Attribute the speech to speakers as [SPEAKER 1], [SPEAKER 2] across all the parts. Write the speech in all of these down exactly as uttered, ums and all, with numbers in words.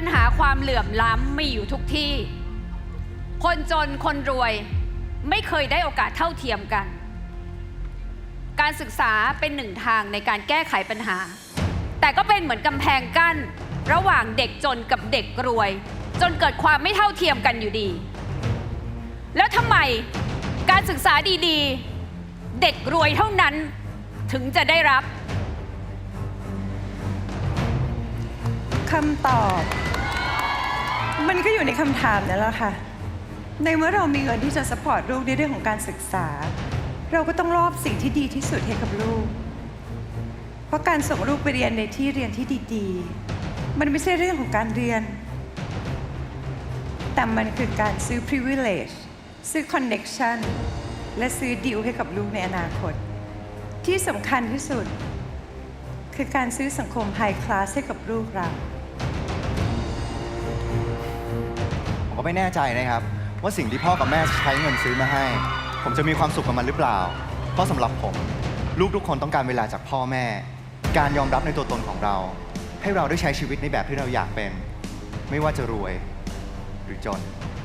[SPEAKER 1] ญหาความเหลื่อมล้ำมีอยู่ทุกที่คนจนคนรวยไม่เคยได้โอกาสเท่าเทียมกันการศึกษาเป็นหนึ่งทางในการแก้ไขปัญหาแต่ก็เป็นเหมือนกำแพงกั้นระหว่างเด็กจนกับเด็กรวยจนเกิดความไม่เท่าเทียมกันอยู่ดีแล้วทำไมการศึกษาดีๆเด็กรวยเท่านั้นถึงจะได้รับ
[SPEAKER 2] คำตอบมันก็อยู่ในคำถามนั่นแหละค่ะในเมื่อเรามีเงินที่จะซัพพอร์ตลูกในเรื่องของการศึกษาเราก็ต้องมอบสิ่งที่ดีที่สุดให้กับลูกเพราะการส่งลูกไปเรียนในที่เรียนที่ดีๆมันไม่ใช่เรื่องของการเรียนแต่มันคือการซื้อ privilege ซื้อ connection และซื้อดีลให้กับลูกในอนาคตที่สำคัญที่สุดคือการซื้อสังคม high class ให้กับลูกเรา
[SPEAKER 3] ผมก็ไม่แน่ใจนะครับว่าสิ่งที่พ่อกับแม่ใช้เงินซื้อมาให้ผมจะมีความสุขกับมันหรือเปล่าเพราะสำหรับผมลูกทุกคนต้องการเวลาจากพ่อแม่การยอมรับในตัวตนของเราให้เราได้ใช้ชีวิตในแบบที่เราอยากเป็นไม่ว่าจะรวยหรือจน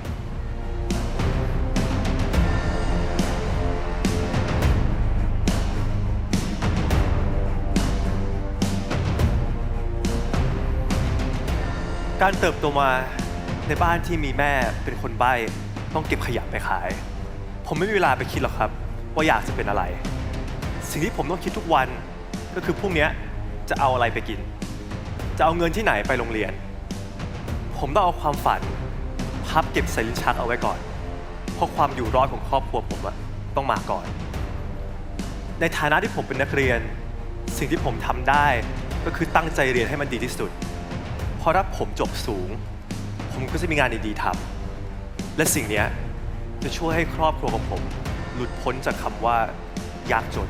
[SPEAKER 4] การเติบโตมาในบ้านที่มีแม่เป็นคนใบ้ต้องเก็บขยะไปขายผมไม่มีเวลาไปคิดหรอกครับว่าอยากจะเป็นอะไรสิ่งที่ผมต้องคิดทุกวันก็คือพรุ่งนี้จะเอาอะไรไปกินจะเอาเงินที่ไหนไปโรงเรียนผมต้องเอาความฝันพับเก็บใส่ลิ้นชักเอาไว้ก่อนเพราะความอยู่รอดของครอบครัวผมอะต้องมาก่อนในฐานะที่ผมเป็นนักเรียนสิ่งที่ผมทำได้ก็คือตั้งใจเรียนให้มันดีที่สุดเพราะถ้าผมจบสูงผมก็จะมีงานดีๆทำและสิ่งนี้จะช่วยให้ครอบครัวของผมหลุดพ้นจากคำว่ายากจน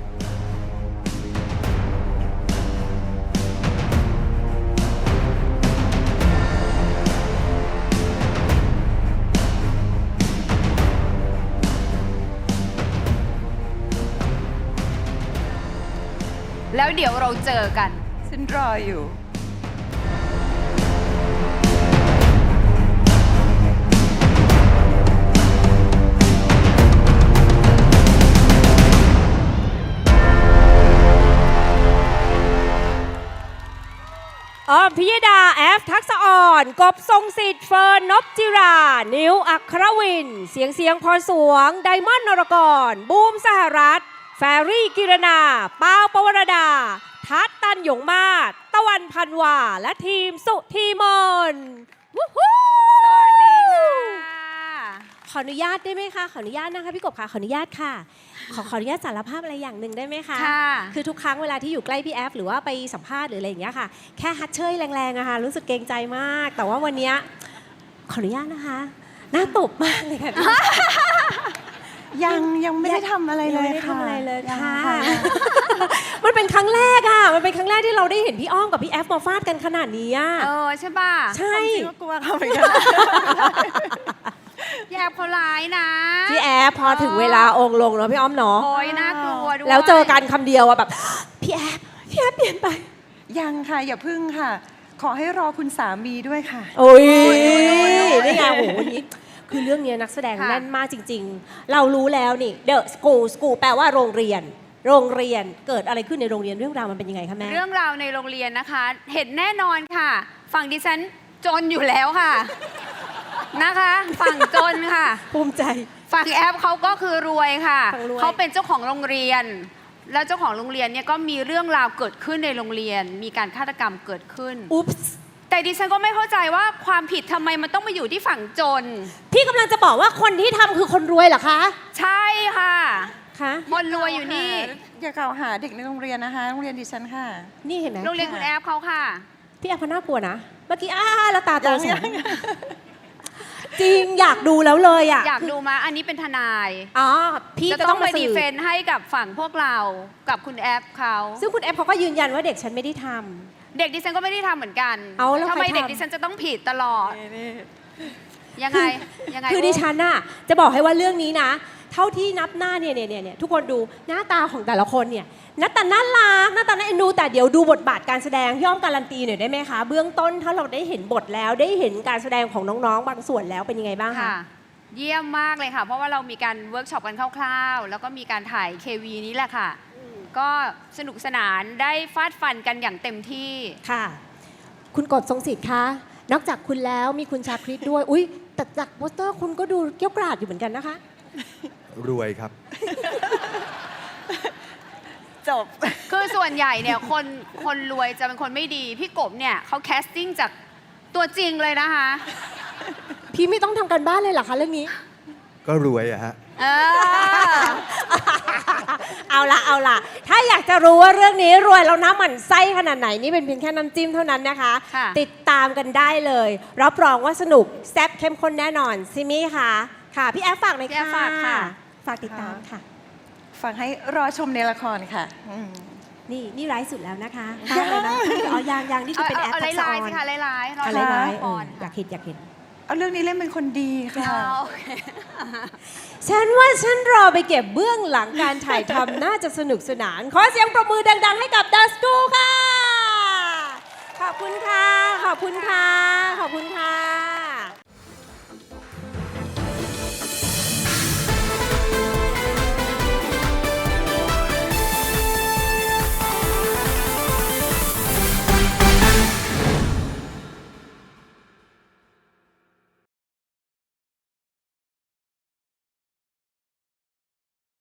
[SPEAKER 1] แล้วเดี๋ยวเราเจอกัน
[SPEAKER 2] ฉันรออยู่
[SPEAKER 5] ออมพิยดาแอฟทักษะอ่อนกบทรงสิทธิ์เฟิร์นนพจิรานิวอัครวินเสียงเสียงพรสวงไดมอนด์นรกรบูมสหรัฐแฟรี่กิรณาปาวปวรดาทัศตันหยงมาศตะวันพันวาและทีมสุทีมนวู้ฮู้
[SPEAKER 1] สวัสดีค่ะ
[SPEAKER 5] ขออนุญาตได้ไหมคะขออนุญาตนะคะพี่กบค่ะขออนุญาตค่ะขอขออนุญาตสารภาพอะไรอย่างหนึ่งได้ไหมคะคือทุกครั้งเวลาที่อยู่ใกล้พี่แอฟหรือว่าไปสัมภาษณ์หรืออะไรอย่างเงี้ยค่ะแค่ฮัตเชยแรงๆอะค่ะรู้สึกเกรงใจมากแต่ว่าวันนี้ขออนุญาตนะคะหน้าตบมากเลยค่ะ
[SPEAKER 2] ยังยังไม่ได้ทำอะไรเลยค่ะ
[SPEAKER 5] ไม่ได้ทำอะไรเลยค่ะมันเป็นครั้งแรกอะมันเป็นครั้งแรกที่เราได้เห็นพี่อ้อมกับพี่แอฟมาฟาดกันขนาดนี้อะ
[SPEAKER 1] เออใช่ป่ะ
[SPEAKER 5] ใช่
[SPEAKER 2] ก็กลัวเขาเหมือนกัน
[SPEAKER 1] พี่แอฟเขาร้ายนะ
[SPEAKER 5] พี่แอฟพอถึงเวลาองค์ลงเนาะพี่อ้อมเนาะ
[SPEAKER 1] โอ้ยน่ากลัวด้วย
[SPEAKER 5] แล้วเจอกันคำเดียวอะแบบพี่แอฟพี่แอฟเปลี่ยนไป
[SPEAKER 2] ยังค่ะอย่าพึ่งค่ะขอให้รอคุณสามีด้วยค่ะ
[SPEAKER 5] โอ้ยนี่ไงโหวันนี้คือเรื่องนี้นักแสดงแน่นมากจริงๆเรารู้แล้วนี่ The School School แปลว่าโรงเรียนโรงเรียนเกิดอะไรขึ้นในโรงเรียนเรื่องราวมันเป็นยังไงคะแม่
[SPEAKER 1] เรื่องราวในโรงเรียนนะคะเห็นแน่นอนค่ะฝั่งดิฉันจนอยู่แล้วค่ะนะคะฝั่งจนค่ะ
[SPEAKER 5] ภูมิใจ
[SPEAKER 1] ฝั่งแอฟเขาก็คือรวยค่ะเขาเป็นเจ้าของโรงเรียนแล้วเจ้าของโรงเรียนเนี่ยก็มีเรื่องราวเกิดขึ้นในโรงเรียนมีการฆาตกรรมเกิดขึ้น
[SPEAKER 5] อุ๊บ
[SPEAKER 1] แต่ดิฉันก็ไม่เข้าใจว่าความผิดทำไมมันต้องมาอยู่ที่ฝั่งจน
[SPEAKER 5] พี่กำลังจะบอกว่าคนที่ทำคือคนรวยเหรอคะ
[SPEAKER 1] ใช่ค่ะ
[SPEAKER 5] คะ
[SPEAKER 1] คนรวยอยู่นี่
[SPEAKER 2] อย่ากล่าวหาเด็กในโรงเรียนนะคะโรงเรียนดิฉันค่ะ
[SPEAKER 5] นี่เห็นไหม
[SPEAKER 1] โรงเรียนคุณแอฟเขาค่ะ
[SPEAKER 5] พี่แอฟเขาน่ากลัวนะเมื่อกี้อ้าแล้วตาโตสองจริงอยากดูแล้วเลยอ่ะ
[SPEAKER 1] อยากดูมาอันนี้เป็นทนาย
[SPEAKER 5] อ๋อพี่
[SPEAKER 1] จะต้องไปดีเฟนต์ให้กับฝั่งพวกเรากับคุณแอฟเขา
[SPEAKER 5] ซึ่งคุณแอฟเขาก็ยืนยันว่าเด็กฉันไม่ได้ทำ
[SPEAKER 1] เด็กดิฉันก็ไม่ได้ทำเหมือนกัน
[SPEAKER 5] เอาแล้ว
[SPEAKER 1] ทำไมเด็กดิฉันจะต้องผิดตลอดยังไงยังไง
[SPEAKER 5] คือดิฉันน่ะจะบอกให้ว่าเรื่องนี้นะเท่าที่นับหน้าเนี่ยเนี่ยเนี่ยทุกคนดูหน้าตาของแต่ละคนเนี่ยหน้าตาน่ารักหน้าตาน่าเอ็นดูแต่เดี๋ยวดูบทบาทการแสดงย่อมการันตีหน่อยได้ไหมคะเบื้องต้นถ้าเราได้เห็นบทแล้วได้เห็นการแสดงของน้องๆ บางส่วนแล้วเป็นยังไงบ้างคะ
[SPEAKER 1] ค่ะ เยี่ยมมากเลยค่ะ เพราะว่าเรามีการเวิร์กช็อปกันคร่าวๆ แล้วก็มีการถ่าย เค วี นี้แหละค่ะ ก็สนุกสนานได้ฟาดฟันกันอย่างเต็มที่
[SPEAKER 5] ค่ะ คุณกบทรงสิทธิ์คะ นอกจากคุณแล้วมีคุณชาคริตด้วย อุ้ยแต่จากโปสเตอร์คุณก็ดูเกรี้ยวกราดอยู่เหมือนกันนะคะ
[SPEAKER 6] รวยครับ
[SPEAKER 2] จบ
[SPEAKER 1] คือส่วนใหญ่เนี่ยคนคนรวยจะเป็นคนไม่ดี พี่กบเนี่ยเขาแคสติ้งจากตัวจริงเลยนะคะ
[SPEAKER 5] พี่ไม่ต้องทำการบ้านเลยเหรอคะเรื่องนี้
[SPEAKER 6] ก็รวยอะฮะ
[SPEAKER 1] เออ
[SPEAKER 5] เอาละเอาละถ้าอยากจะรู้ว่าเรื่องนี้รวยแล้วน้ำหมันไส้ขนาดไหนนี่เป็นเพียงแค่น้ำจิ้มเท่านั้นนะคะ
[SPEAKER 1] ค่ะ
[SPEAKER 5] ติดตามกันได้เลย รับรองว่าสนุกแซ่บเข้มข้นแน่นอนซิมี่ค่ะค่ะ พี่แอฟฝากหน่อย
[SPEAKER 1] พี่แอ
[SPEAKER 5] ค่ะ
[SPEAKER 1] ฟฝากค่ะ
[SPEAKER 5] ฝากติดตามค่ะ
[SPEAKER 2] ฟังให้รอชมในละครค่ะอืม
[SPEAKER 5] นี่นี่ไร้ายสุดแล้วนะคะตามเลยนะเอายางยางนี่คือเป็นแอป
[SPEAKER 1] เอา
[SPEAKER 5] ทักษะ
[SPEAKER 1] ลา
[SPEAKER 5] อย
[SPEAKER 1] ๆ
[SPEAKER 5] อน
[SPEAKER 1] สิคะลายๆรอ
[SPEAKER 5] เอา
[SPEAKER 1] ชม
[SPEAKER 5] ลาย
[SPEAKER 1] ละ
[SPEAKER 5] ๆ
[SPEAKER 1] ค
[SPEAKER 5] เออ
[SPEAKER 1] ร
[SPEAKER 5] อยากเห็นอยากเห็น
[SPEAKER 2] เอาเรื่องนี้เล่นเป็นคนดีค่ะ
[SPEAKER 1] เอาโอเค
[SPEAKER 5] ฉันว่าฉันรอไปเก็บเบื้องหลังการถ่ายทำ น่าจะสนุกสนาน ขอเสียงปรบมือดัง ๆ ให้กับดัสกูค่ะ ขอบคุณค่ะ ขอบคุณค่ะ ขอบคุณค่ะ